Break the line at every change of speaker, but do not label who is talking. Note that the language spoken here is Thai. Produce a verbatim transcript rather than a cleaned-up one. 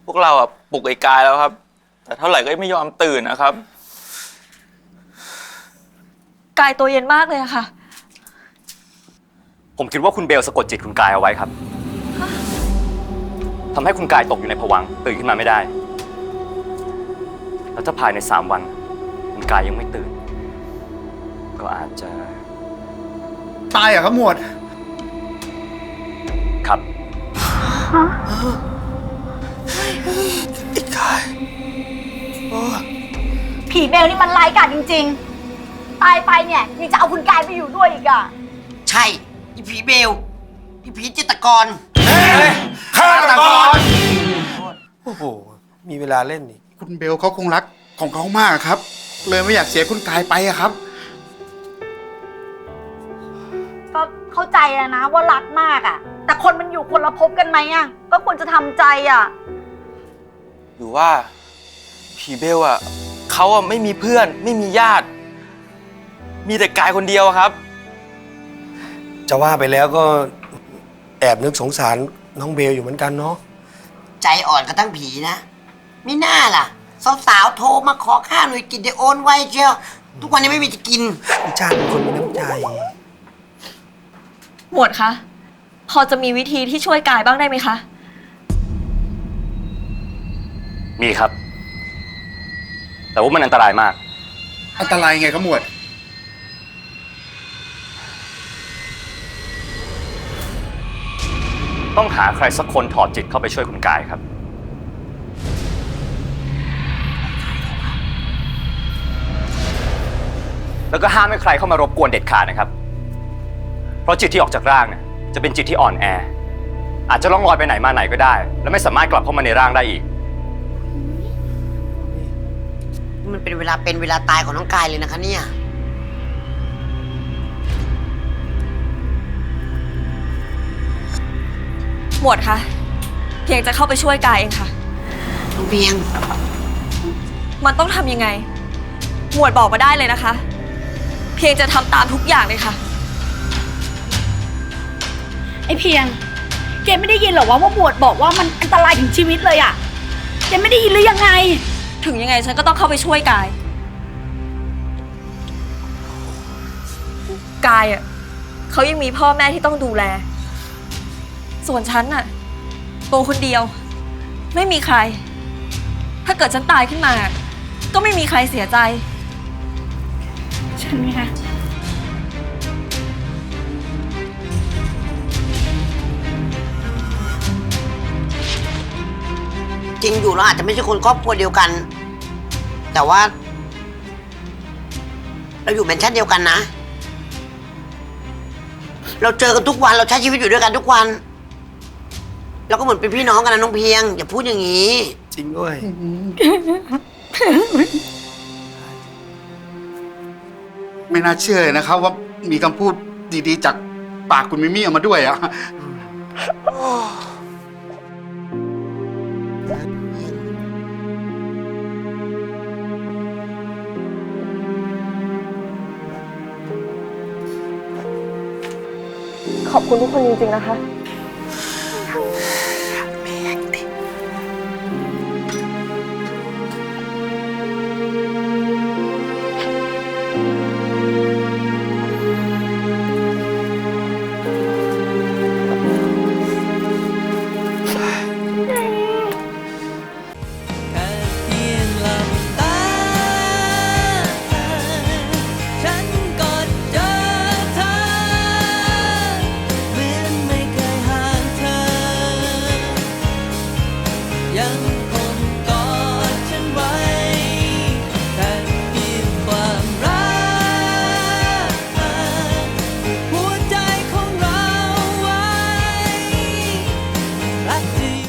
พวกเราอ่ะปลุกไอ้กายแล้วครับแต่เท่าไหร่ก็ไม่ยอมตื่นนะครับ
กายตัวเย็นมากเลยอะค่ะ
ผมคิดว่าคุณเบลสะกดจิตคุณกายเอาไว้ครับทำให้คุณกายตกอยู่ในภวังค์ตื่นขึ้นมาไม่ได้แล้วถ้าภายในสามวันคุณกายยังไม่ตื่นก็อาจจะ
ตายเหรอครับหมวด
ครับ
ไอ้กาย
ผีเบลนี่มันร้ายกาจจริงๆตายไปเนี่ยยังจะเอาคุณกายไปอยู่ด้วยอีกอ่ะ
ใช่อีผีเบลอีผีจิตรกร
ฆาตกร
โอ้โหมีเวลาเล่นอีก
คุณเบลเขาคงรักของเขามากครับ เลยไม่อยากเสียคุณกายไปอะครับ
ก็เข้าใจแล้วนะว่ารักมากอ่ะแต่คนมันอยู่คนละภพกันไหมอ่ะก็ควรจะทำใจอ่ะ
หรือว่าผีเบลอ่ะเขาอ่ะไม่มีเพื่อนไม่มีญาติมีแต่กายคนเดียวครับ
จะว่าไปแล้วก็แอบนึกสงสารน้องเบลอยู่เหมือนกันเนาะ
ใจอ่อนกระทั่งผีนะไม่น่าล่ะสาวๆโทรมาขอข้าวหน่อยกินเดี๋ยวโอนไว้เชียวทุกวันนี้ไม่มีจะกิน
พี่ชาติเป็นคนมีน้ำใจ
หมวดคะพอจะมีวิธีที่ช่วยกายบ้างได้ไหมคะ
มีครับแต่ว่ามันอันตรายมาก
อันตรายไงครับหมวด
ต้องหาใครสักคนถอดจิตเข้าไปช่วยคุณกายครับแล้วก็ห้ามให้ใครเข้ามารบกวนเด็ดขาดนะครับเพราะจิตที่ออกจากร่างเนี่ยจะเป็นจิตที่อ่อนแออาจจะล่องลอยไปไหนมาไหนก็ได้และไม่สามารถกลับเข้ามาในร่างได้อีก
มันเป็นเวลาเป็นเวลาตายของน้องกายเลยนะคะเนี่ย
หมวดคะเพียงจะเข้าไปช่วยกายเองค่ะ
น้องเพียง
มันต้องทำยังไงหมวดบอกมาได้เลยนะคะเพียงจะทำตามทุกอย่างเลยค่ะ
ไอ้เพียงแกไม่ได้ยินหรอว่าว่าหมวดบอกว่ามันอันตรายถึงชีวิตเลยอ่ะแกไม่ได้ยินหรือยังไง
ถึงยังไงฉันก็ต้องเข้าไปช่วยกายกายอ่ะเขายังมีพ่อแม่ที่ต้องดูแลส่วนฉันน่ะตัวคนเดียวไม่มีใครถ้าเกิดฉันตายขึ้นมาก็ไม่มีใครเสียใจ
ใช่ไหมคะ
จริงอยู่เราอาจจะไม่ใช่คนครอบครัวเดียวกันแต่ว่าเราอยู่แมนชั่นเดียวกันนะเราเจอกันทุกวันเราใช้ชีวิตอยู่ด้วยกันทุกวันเราก็เหมือนเป็นพี่น้องกันนะน้องเพียงอย่าพูดอย่างนี้
จริงด้วย
ไม่น่าเชื่อเลยนะครับว่ามีคำพูดดีๆจากปากคุณมิมี่ออกมาด้วยอะ
ขอบคุณทุกคนจริงๆนะคะ
ยัง